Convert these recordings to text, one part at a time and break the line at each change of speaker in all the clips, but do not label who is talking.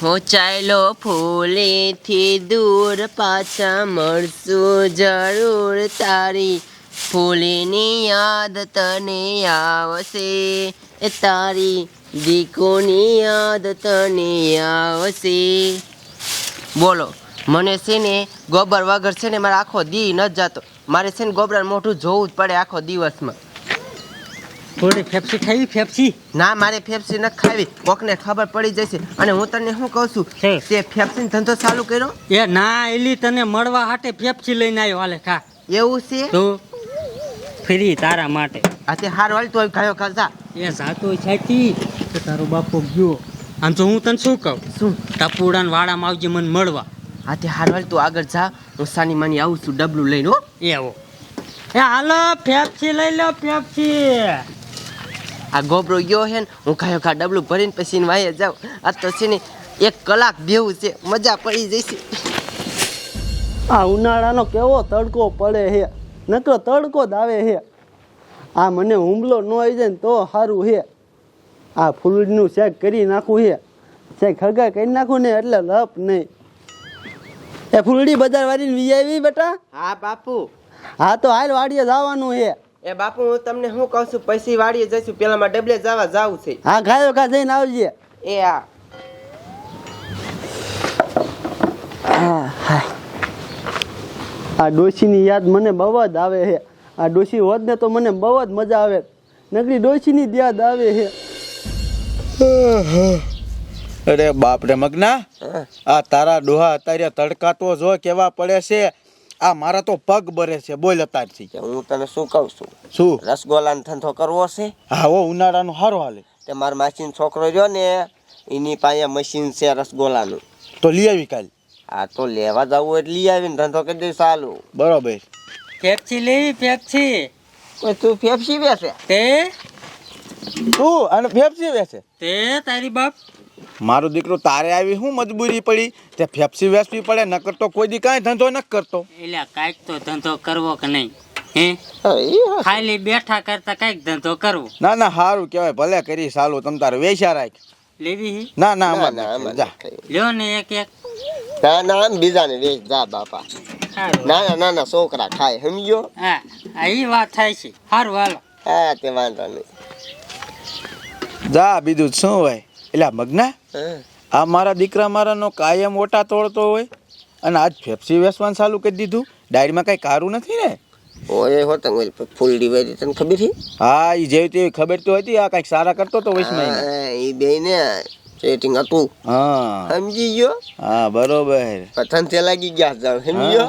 હું ચાલ્યો ફૂલેથી દૂર પાછા મળશું જરૂર તારી ફૂલની યાદ તને આવશે એ તારી દીકોની યાદ તને આવશે. બોલો મને છે ને ગોબર વગર છે ને મારે આખો દી ન જતો. મારે છે ને ગોબરાનું મોઢું જોવું જ પડે આખો દિવસમાં.
થોડી ફેફસી ખાવી ફેફસી?
ના મારે ફેફસી ન ખાવી, કોકને ખબર પડી જશે. અને હું તને શું કહું છું, તે ફેફસી ધંધો ચાલુ કર્યો?
એ ના એલી તને મળવા હાટે ફેફસી લઈને આવ્યો. હાલે ખા.
એવું છે
તો ફ્રી તારા માટે.
આ તે હાર વાળ તો ગયો કરતા
એ જાતો છાતી તો તારો બાપો ગયો. આમ તો હું તને શું કહું,
શું
ટપુડાન વાડામાં આવજે મને મળવા.
આ તે હાર વાળ તું આગળ જા, હું સાની માની આવું છું ડબલું લઈને. હો
એવો એ હાલો ફેફસી લઈ લો ફેફસી.
આ ગોબરો ગયો હે ને, હું ખાયો ખા ડબલું ભરીને પછી વાયે જાઉં. આ તો છે ને 1 કલાક બેવું છે, મજા પડી જશે.
આ ઉનાળાનો કેવો તડકો પડે છે, નકરો તડકો જ આવે છે. આ મને હુમલો ન આવી જાય ને તો સારું છે. આ ફૂલનું શેક કરી નાખવું છે, શેક હળગા કરી નાખું ને એટલે લપ નહીં. એ ફૂલડી બજાર વાળીને વી આવી બેટા?
હા બાપુ.
હા તો હાલ વાડીએ જવાનું છે.
એ બાપુ હું તમને શું કહું છું, પછી વાડીએ જઈશું, પેલા માં ડબલે જવા જાવું છે.
હા ખાયો ખા જઈને આવજે.
એ હા.
આ ડોશીની યાદ મને બહુ જ આવે છે. આ ડોશી હોત ને તો મને બહુ જ મજા આવે. નકરી ડોશીની જ યાદ આવે છે.
અરે બાપ રે મગના, આ તારા ડોહા અત્યારે તડકા તો જો કેવા પડે છે. આ મારા તો પગ બરે છે. બોલ અત્યારથી.
હું તને શું કહું છું,
શું
રસગોલાનો ધંધો કરવો છે?
હા હો, ઉનાળાનું સારું હાલે.
તે મારા માસીનો છોકરો રહ્યો ને, એની પાસે મશીન છે રસગોલાનું.
તો લઈ આવી કાલ.
આ તો લેવા જવું એટલે લઈ આવીને ધંધો કરી દઈશ. ચાલુ
બરોબર.
ફેફસી લેવી ફેફસી?
તું ફેફસી વેચે?
તે
તું અને ફેફસી વેચે?
તે તારી બાપ
મારો દીકરો તારે આવી શું મજબૂરી પડી તે ફેફસી વેચવી પડે? નકર તો કોઈ દી કાંઈ ધંધો ન કરતો.
એટલે કાંઈક તો ધંધો કરવો કે નહીં? હે ખાલી બેઠા કરતા કાંઈક ધંધો કરવો.
ના ના સારું કહેવાય, ભલે કરી ચાલુ. તમ તારે વેચા રાખ.
લેવી?
ના ના અમાર જા.
લ્યો ને એક એક.
ના ના બીજાને વેચ જા બાપા. નાના નાના છોકરા ખાય, સમજ્યો?
હા એ વાત થાય છે. સારું હાલો.
હા તે વાંધો નહીં.
જા બીજું શું હોય. એટલે મગના, આ મારા દીકરા મારાનો કાયમ ઓટા તોડતો હોય અને આજ ફેફસી વેચવાનું ચાલુ કરી દીધું. ડાયરીમાં કઈ કારું નથી ને?
ઓય હોત ફૂલડી વેરી તને ખબર છે?
હા એ જેવી તેવી ખબર તો હતી. આ કઈક સારા કરતો તો વૈષ્ણવ.
એ બે ને સેટિંગ હતું.
હા
સમજી ગયો?
હા બરોબર.
પતંગ તે લાગી ગયા જાવ, સમજ્યો?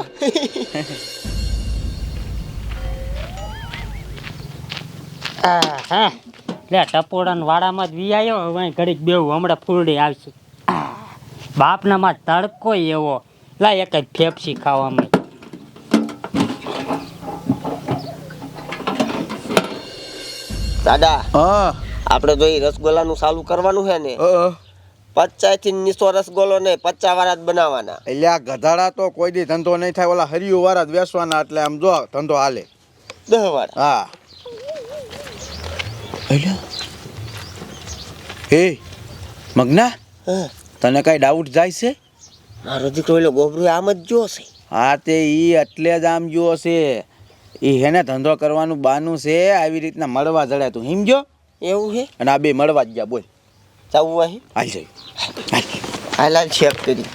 હા લે ટપોડા વાડામાં જ વી આવ્યો. હવે ઘડીક બેવું, હમણાં ફૂલડી આવશે. બાપના માં તડકો એવો. લા એક જ ફેફસી ખાવામાં.
દાદા
હા
આપણે તો એ રસગોલાનું ચાલુ કરવાનું છે ને, 50 થી નીચો રસગોલો ને 50 વાળા જ બનાવવાના.
એટલે આ ગધાડા તો કોઈ દી ધંધો નહીં થાય. ઓલા હરિયો વાળા જ વેચવાના. એટલે આમ જો ધંધો હાલે.
10 વાળા.
હા હે મગના, તને કઈ ડાઉટ જાય છે?
મારો દીકરો એલો ગોબરો આમ જ જો છે.
હા તે ઈ એટલે જ આમ જો છે. ઈ હેને ધંધો કરવાનું બાનું છે. આવી રીતના મળવા જડે તું સમજો.
એવું છે?
અને આ બે મળવા જ ગયા. બોલ
ચાવું અહીં
હાલ જાય.
હાલ ચેક કરી.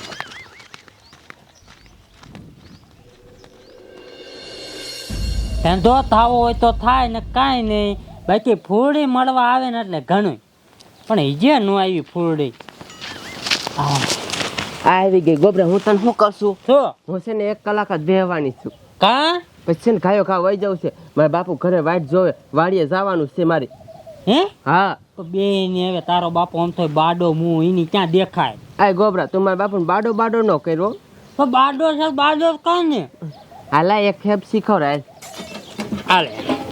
ધંધો થવો હોય તો થાય ને કાંઈ નહીં. બાકી ફૂલડી મળવા આવે ને એટલે ઘણું. પણ ઈજે ન આવી ફૂલડી.
આવી ગઈ ગોબરા. હું તને શું કરશું,
શું
હું છે ને 1 કલાક જ બેહવાની છું.
કા?
પછી છે ને ખાયો ખા વહી જવું છે. મારા બાપુ ઘરે વાટ જોવે, વાડીએ જવાનું છે મારે.
હે
હા
તો બે ને હવે તારો બાપો આમ તો બાડો મું એની ક્યાં દેખાય?
આ ગોબરા તું મારા બાપુ બાડો બાડો ન કર્યો.
તો બાડો છે બાડો કાં ને.
હાલા એક ખેપ શીખવરાય.
હાલે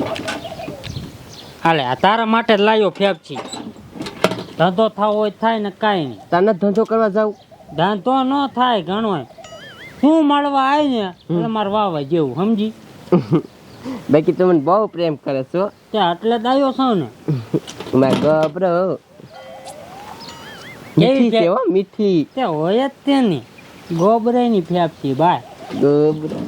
હાલે આ તારા માટે જ લાવ્યો ફેફસી. ધંધો થવો હોય થાય ને કાંઈ નહીં.
તને ધંધો કરવા જાવ?
ધંધો ન થાય ઘણો. શું મળવા આવે ને એટલે મારે વાવા જેવું સમજી.
બાકી તું મને બહુ પ્રેમ કરે છો.
ત્યાં એટલે જ આવ્યો છો ને.
મારા ગોબરો મીઠી છે
ફે-
હો મીઠી
તે હોય જ તેની ગોબરાની ફેફસી ભાઈ.
ગોબરા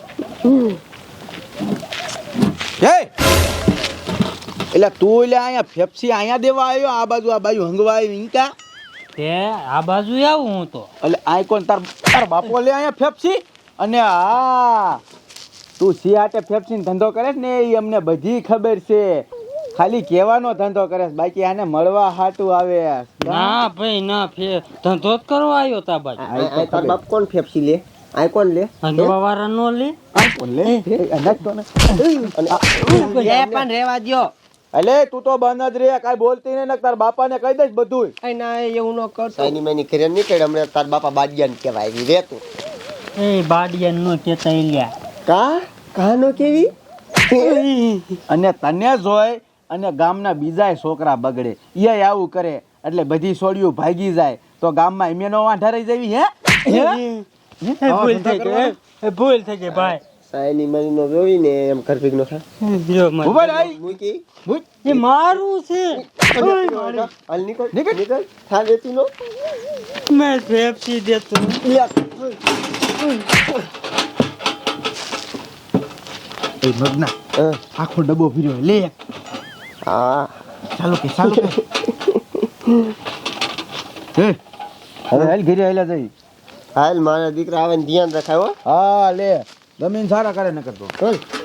હે એટલે તું એટલે અહીંયા ફેફસી અહીંયા દેવા આવ્યો આ બાજુ હંગવા આવ્યો ઈંકા
તે આ બાજુ આવું હું તો.
એટલે આ કોણ તાર બાપો લે અહીંયા ફેફસી અને હા તું સી હાટે ફેફસીનો ધંધો કરે છે ને એ અમને બધી ખબર છે ખાલી કહેવાનો ધંધો કરે છે બાકી આને મળવા હાટું આવે
ના ભાઈ ના ધંધો જ કરવા આવ્યો તા બાજુ.
તાર બાપ કોણ ફેફસી લે આ કોણ લે
હંગવા વાળા નો લે.
એ પણ રેવા દ્યો
એટલે તું તો બંધ જ રે કાઈ બોલતી નહીં ને તાર બાપાને કહી દઈશ બધું
એ ના એવું ન કરતો
સાઈની મેની ઘરે નીકળે હમણાં તાર બાપા બાડિયાને કહેવાય એવી રે તું
એ બાડિયા નો કેતા લ્યા.
કાનો કેવી
અને તને જોઈ અને ગામના બીજા છોકરા બગડે એ આવું કરે એટલે બધી છોડીઓ ભાગી જાય તો ગામમાં એમેનો વાંઢા રહી જવી હે
ભૂલ થઈ ગઈ, ભૂલ થઈ ગઈ ભાઈ.
સાઈની મેની નો જોઈ ને એમ ઘર ભેગનો થાય
જો મને.
ઉભા રહી
મૂકી
એ મારું છે.
હાલ નીકળ થા દેતી નો
મેં ફેફસી દેતો.
એ મગના આખો ડબ્બો ફર્યો લે
હા
ચાલો કે હે હવે હાલ ઘરે આયલા જઈ
હાલ મારા દીકરા આવે ને ધ્યાન રખાય હો
હા લે જમીન સારા કરે ન કરતો
ચાલ